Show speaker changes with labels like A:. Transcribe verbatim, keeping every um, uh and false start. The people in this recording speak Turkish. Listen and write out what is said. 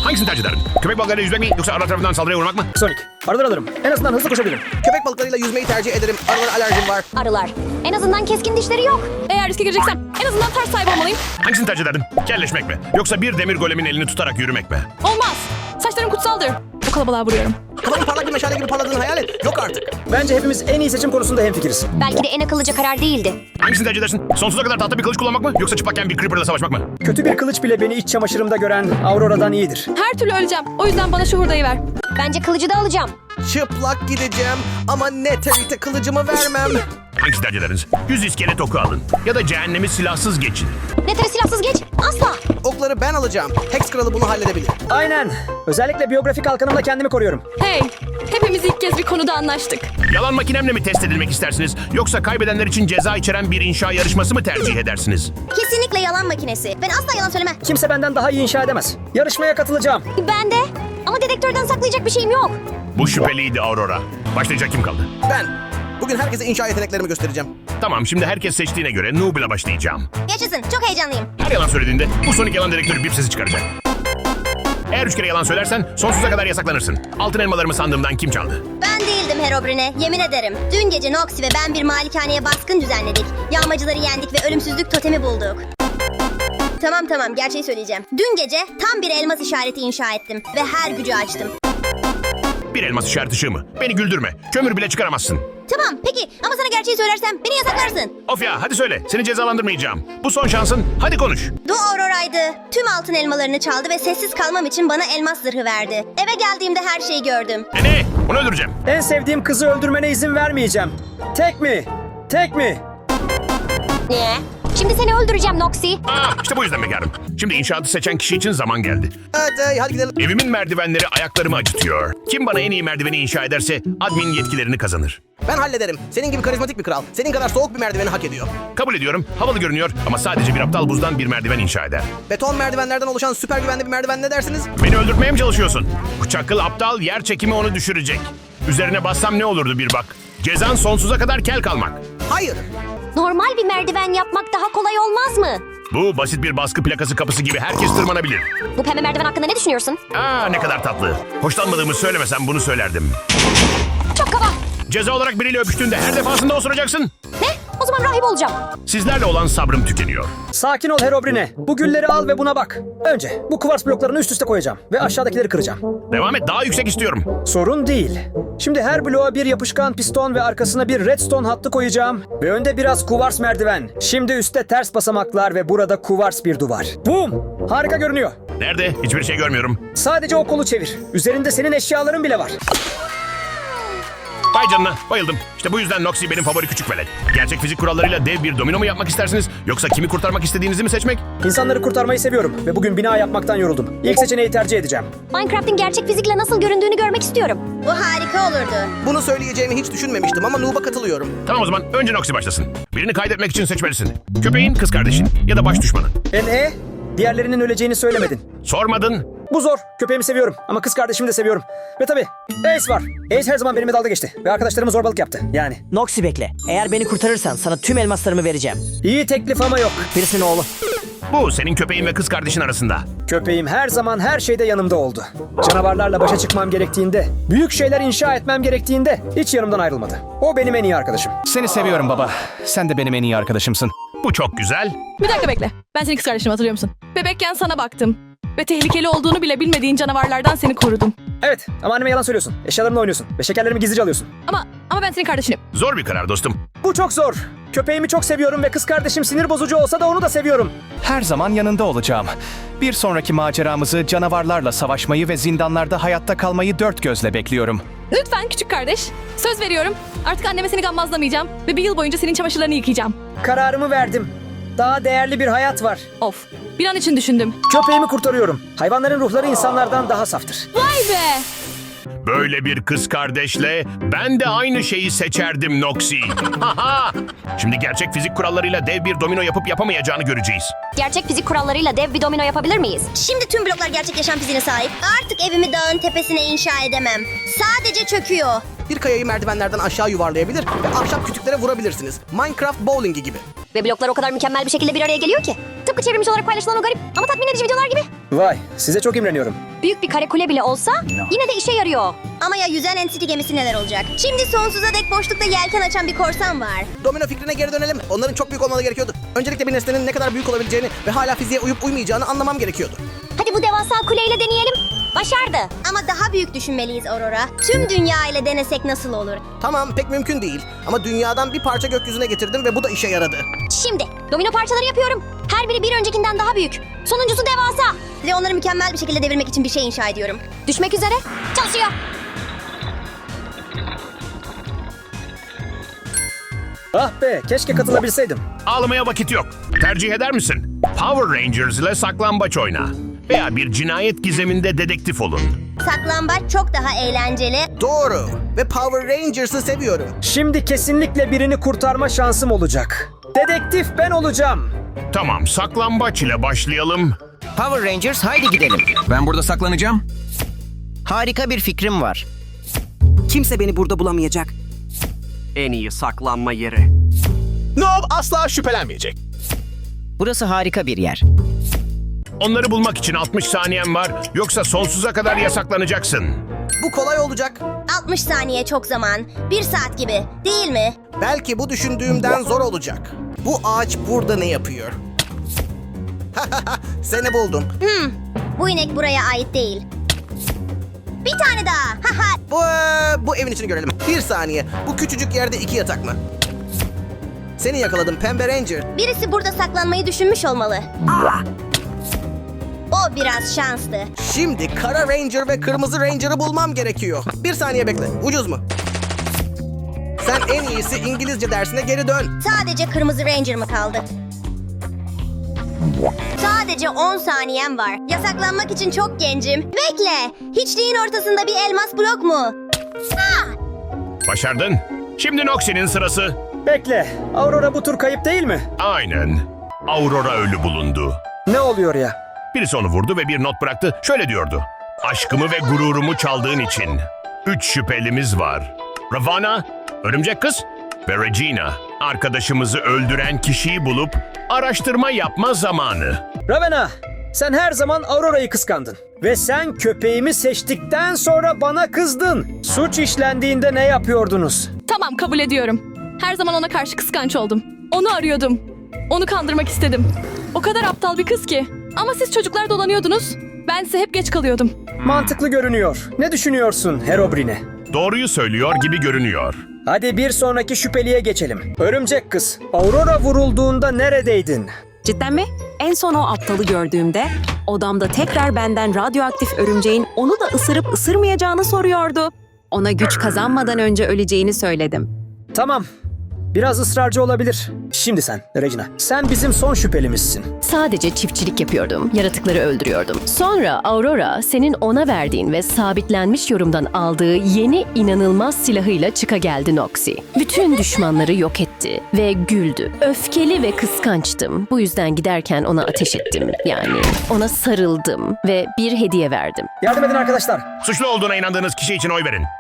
A: Hangisini tercih ederdin? Köpek balıklarıyla yüzmek mi yoksa arılar tarafından saldırıya uğramak mı?
B: Sonic. Arılar alırım. En azından hızlı koşabilirim.
C: Köpek balıklarıyla yüzmeyi tercih ederim. Arılara alerjim var.
D: Arılar. En azından keskin dişleri yok.
E: Eğer riske gireceksem en azından ters sahibi olmalıyım.
A: Hangisini tercih ederdin? Kelleşmek mi? Yoksa bir demir golemin elini tutarak yürümek mi?
E: Olmaz. Saçlarım kutsaldır. Bu kalabalığa vuruyorum.
C: Kafanın parlak bir meşale gibi parladığını hayal et. Yok artık.
B: Bence hepimiz en iyi seçim konusunda hemfikiriz.
D: Belki de en akıllıca karar değildi.
A: Hangisini tercih edersin? Sonsuza kadar tahta bir kılıç kullanmak mı? Yoksa çıplakken bir creeper'la savaşmak mı?
B: Kötü bir kılıç bile beni iç çamaşırımda gören Aurora'dan iyidir.
E: Her türlü öleceğim. O yüzden bana şu hurdayı ver.
D: Bence kılıcı da alacağım.
C: Çıplak gideceğim ama Netherite kılıcımı vermem.
A: Hangisini tercih ederdiniz? Yüz iskelet oku alın. Ya da cehennemi silahsız geçin.
D: Nether'e silahsız geç. Asla.
C: Okları ben alacağım. Hex kralı bunu halledebilir.
B: Aynen. Özellikle biyografik halkanımla kendimi koruyorum.
E: Hey, hepimiz ilk kez bir konuda anlaştık.
A: Yalan makinemle mi test edilmek istersiniz? Yoksa kaybedenler için ceza içeren bir inşa yarışması mı tercih edersiniz?
D: Kesinlikle yalan makinesi. Ben asla yalan söylemem.
B: Kimse benden daha iyi inşa edemez. Yarışmaya katılacağım.
D: Ben de. Ama dedektörden saklayacak bir şeyim yok.
A: Bu şüpheliydi Aurora. Başlayacak kim kaldı?
C: Ben. Bugün herkese inşa yeteneklerimi göstereceğim.
A: Tamam, şimdi herkes seçtiğine göre Noob'la başlayacağım.
D: Yaşasın. Çok heyecanlıyım.
A: Her yalan söylediğinde bu Sonic yalan dedektörü bip sesi çıkaracak. Eğer üç kere yalan söylersen sonsuza kadar yasaklanırsın. Altın elmalarımı sandığımdan kim çaldı?
D: Ben değildim Herobrine. Yemin ederim. Dün gece Noxy ve ben bir malikaneye baskın düzenledik. Yağmacıları yendik ve ölümsüzlük totemi bulduk. Tamam tamam gerçeği söyleyeceğim. Dün gece tam bir elmas işareti inşa ettim ve her gücü açtım.
A: Bir elmas işaret ışığı mı? Beni güldürme. Kömür bile çıkaramazsın.
D: Tamam peki ama sana gerçeği söylersem beni yasaklarsın.
A: Of ya, hadi söyle. Seni cezalandırmayacağım. Bu son şansın. Hadi konuş.
D: Du Aurora'ydı. Tüm altın elmalarını çaldı ve sessiz kalmam için bana elmas zırhı verdi. Eve geldiğimde her şeyi gördüm.
A: E ne? Onu öldüreceğim.
B: En sevdiğim kızı öldürmene izin vermeyeceğim. Tek mi? Tek mi?
D: Ne? Şimdi seni öldüreceğim Noxy.
A: Aa, işte bu yüzden bekarım. Şimdi inşaatı seçen kişi için zaman geldi.
C: Evet hey, hadi gidelim.
A: Evimin merdivenleri ayaklarımı acıtıyor. Kim bana en iyi merdiveni inşa ederse admin yetkilerini kazanır.
C: Ben hallederim. Senin gibi karizmatik bir kral. Senin kadar soğuk bir merdiveni hak ediyor.
A: Kabul ediyorum. Havalı görünüyor ama sadece bir aptal buzdan bir merdiven inşa eder.
C: Beton merdivenlerden oluşan süper güvenli bir merdiven ne dersiniz?
A: Beni öldürtmeye mi çalışıyorsun? Bu çakıl aptal yer çekimi onu düşürecek. Üzerine bassam ne olurdu bir bak. Cezan sonsuza kadar kel kalmak.
C: Hayır.
D: Normal bir merdiven yapmak daha kolay olmaz mı?
A: Bu basit bir baskı plakası kapısı gibi herkes tırmanabilir.
D: Bu pembe merdiven hakkında ne düşünüyorsun?
A: Aa, ne kadar tatlı. Hoşlanmadığımı söylemesem bunu söylerdim.
D: Çok kaba.
A: Ceza olarak biriyle öpüştüğünde her defasında osuracaksın.
D: Ne? O zaman rahip olacağım.
A: Sizlerle olan sabrım tükeniyor.
B: Sakin ol Herobrine. Bu gülleri al ve buna bak. Önce bu kuvars bloklarını üst üste koyacağım ve aşağıdakileri kıracağım.
A: Devam et, daha yüksek istiyorum.
B: Sorun değil. Şimdi her bloğa bir yapışkan piston ve arkasına bir redstone hattı koyacağım. Ve önde biraz kuvars merdiven. Şimdi üstte ters basamaklar ve burada kuvars bir duvar. Boom! Harika görünüyor.
A: Nerede? Hiçbir şey görmüyorum.
B: Sadece o kolu çevir. Üzerinde senin eşyaların bile var.
A: Vay canına, bayıldım. İşte bu yüzden Noxy benim favori küçük velet. Gerçek fizik kurallarıyla dev bir domino mu yapmak istersiniz? Yoksa kimi kurtarmak istediğinizi mi seçmek?
B: İnsanları kurtarmayı seviyorum ve bugün bina yapmaktan yoruldum. İlk seçeneği tercih edeceğim.
D: Minecraft'in gerçek fizikle nasıl göründüğünü görmek istiyorum. Bu harika olurdu.
C: Bunu söyleyeceğimi hiç düşünmemiştim ama Noob'a katılıyorum.
A: Tamam o zaman önce Noxy başlasın. Birini kaydetmek için seçmelisin. Köpeğin, kız kardeşin ya da baş düşmanın.
B: En e? Diğerlerinin öleceğini söylemedin.
A: Sormadın.
B: Bu zor. Köpeğimi seviyorum ama kız kardeşimi de seviyorum. Ve tabii Ace var. Ace her zaman benimle dalga geçti ve arkadaşlarıma zorbalık yaptı. Yani.
F: Noxy bekle. Eğer beni kurtarırsan sana tüm elmaslarımı vereceğim.
B: İyi teklif ama yok.
F: Birisinin oğlu.
A: Bu senin köpeğin ve kız kardeşin arasında.
B: Köpeğim her zaman her şeyde yanımda oldu. Canavarlarla başa çıkmam gerektiğinde, büyük şeyler inşa etmem gerektiğinde hiç yanımdan ayrılmadı. O benim en iyi arkadaşım.
G: Seni seviyorum baba. Sen de benim en iyi arkadaşımsın.
A: Bu çok güzel.
E: Bir dakika bekle. Ben senin kız kardeşimi hatırlıyor musun? Bebekken sana baktım. Ve tehlikeli olduğunu bile bilmediğin canavarlardan seni korudum.
B: Evet ama anneme yalan söylüyorsun. Eşyalarımla oynuyorsun ve şekerlerimi gizlice alıyorsun.
E: Ama ama ben senin kardeşinim.
A: Zor bir karar dostum.
B: Bu çok zor. Köpeğimi çok seviyorum ve kız kardeşim sinir bozucu olsa da onu da seviyorum.
G: Her zaman yanında olacağım. Bir sonraki maceramızı canavarlarla savaşmayı ve zindanlarda hayatta kalmayı dört gözle bekliyorum.
E: Lütfen küçük kardeş. Söz veriyorum. Artık anneme seni gammazlamayacağım. Ve bir yıl boyunca senin çamaşırlarını yıkayacağım.
B: Kararımı verdim. Daha değerli bir hayat var.
E: Of. Bir an için düşündüm.
B: Köpeğimi kurtarıyorum. Hayvanların ruhları insanlardan daha saftır.
E: Vay be!
A: Böyle bir kız kardeşle ben de aynı şeyi seçerdim Noxy. Haha! Şimdi gerçek fizik kurallarıyla dev bir domino yapıp yapamayacağını göreceğiz.
D: Gerçek fizik kurallarıyla dev bir domino yapabilir miyiz? Şimdi tüm bloklar gerçek yaşam fiziğine sahip. Artık evimi dağın tepesine inşa edemem. Sadece çöküyor.
C: Bir kayayı merdivenlerden aşağı yuvarlayabilir ve ahşap kütüklere vurabilirsiniz. Minecraft bowlingi gibi.
D: Ve bloklar o kadar mükemmel bir şekilde bir araya geliyor ki. Tıpkı çevrimiçi olarak paylaşılan o garip ama tatmin edici videolar gibi.
B: Vay, size çok imreniyorum.
H: Büyük bir kare kule bile olsa yine de işe yarıyor.
D: Ama ya yüzen N C T gemisi neler olacak? Şimdi sonsuza dek boşlukta yelken açan bir korsan var.
C: Domino fikrine geri dönelim. Onların çok büyük olmaları gerekiyordu. Öncelikle bir nesnenin ne kadar büyük olabileceğini ve hala fiziğe uyup uymayacağını anlamam gerekiyordu.
H: Hadi bu devasa kuleyle deneyelim. Başardı.
D: Ama daha büyük düşünmeliyiz Aurora. Tüm dünya ile denesek nasıl olur?
C: Tamam, pek mümkün değil. Ama dünyadan bir parça gökyüzüne getirdim ve bu da işe yaradı.
H: Şimdi domino parçaları yapıyorum. Her biri bir öncekinden daha büyük. Sonuncusu devasa.
D: Ve onları mükemmel bir şekilde devirmek için bir şey inşa ediyorum.
H: Düşmek üzere. Çalışıyor.
B: Ah be, keşke katılabilseydim.
A: Ağlamaya vakit yok. Tercih eder misin? Power Rangers ile saklambaç oyna. Veya bir cinayet gizeminde dedektif olun.
D: Saklambaç çok daha eğlenceli.
C: Doğru. Ve Power Rangers'ı seviyorum.
B: Şimdi kesinlikle birini kurtarma şansım olacak. Dedektif ben olacağım.
A: Tamam, saklambaç ile başlayalım.
I: Power Rangers haydi gidelim. Ben burada saklanacağım. Harika bir fikrim var.
J: Kimse beni burada bulamayacak.
I: En iyi saklanma yeri.
K: Nob asla şüphelenmeyecek.
I: Burası harika bir yer.
A: Onları bulmak için altmış saniyen var. Yoksa sonsuza kadar yasaklanacaksın.
C: Bu kolay olacak.
D: altmış saniye çok zaman. Bir saat gibi. Değil mi?
C: Belki bu düşündüğümden zor olacak. Bu ağaç burada ne yapıyor? Seni buldum.
D: Hmm. Bu inek buraya ait değil. Bir tane daha. Haha.
C: Bu, e, bu evin içini görelim. Bir saniye. Bu küçücük yerde iki yatak mı? Seni yakaladım Pembe Ranger.
D: Birisi burada saklanmayı düşünmüş olmalı. O biraz şanslı.
C: Şimdi Kara Ranger ve Kırmızı Ranger'ı bulmam gerekiyor. Bir saniye bekle. Ucuz mu? Sen en iyisi İngilizce dersine geri dön.
D: Sadece Kırmızı Ranger mı kaldı? Sadece on saniyem var. Yasaklanmak için çok gencim. Bekle. Hiçliğin ortasında bir elmas blok mu? Ha!
A: Başardın. Şimdi Noxie'nin sırası.
B: Bekle, Aurora bu tur kayıp değil mi?
A: Aynen. Aurora ölü bulundu.
B: Ne oluyor ya?
A: Birisi onu vurdu ve bir not bıraktı. Şöyle diyordu. Aşkımı ve gururumu çaldığın için. Üç şüphelimiz var. Ravana, Örümcek Kız ve Regina. Arkadaşımızı öldüren kişiyi bulup araştırma yapma zamanı.
B: Ravenna, sen her zaman Aurora'yı kıskandın. Ve sen köpeğimi seçtikten sonra bana kızdın. Suç işlendiğinde ne yapıyordunuz?
E: Tamam, kabul ediyorum. Her zaman ona karşı kıskanç oldum. Onu arıyordum. Onu kandırmak istedim. O kadar aptal bir kız ki. Ama siz çocuklar dolanıyordunuz. Bense hep geç kalıyordum.
B: Mantıklı görünüyor. Ne düşünüyorsun Herobrine?
A: Doğruyu söylüyor gibi görünüyor.
B: Hadi bir sonraki şüpheliye geçelim. Örümcek Kız, Aurora vurulduğunda neredeydin?
J: Cidden mi? En son o aptalı gördüğümde odamda tekrar benden radyoaktif örümceğin onu da ısırıp ısırmayacağını soruyordu. Ona güç kazanmadan önce öleceğini söyledim.
B: Tamam. Biraz ısrarcı olabilir. Şimdi sen Regina. Sen bizim son şüphelimizsin.
L: Sadece çiftçilik yapıyordum. Yaratıkları öldürüyordum. Sonra Aurora senin ona verdiğin ve sabitlenmiş yorumdan aldığı yeni inanılmaz silahıyla çıka geldi Noxie. Bütün düşmanları yok etti ve güldü. Öfkeli ve kıskançtım. Bu yüzden giderken ona ateş ettim. Yani ona sarıldım ve bir hediye verdim.
B: Yardım edin arkadaşlar.
A: Suçlu olduğuna inandığınız kişi için oy verin.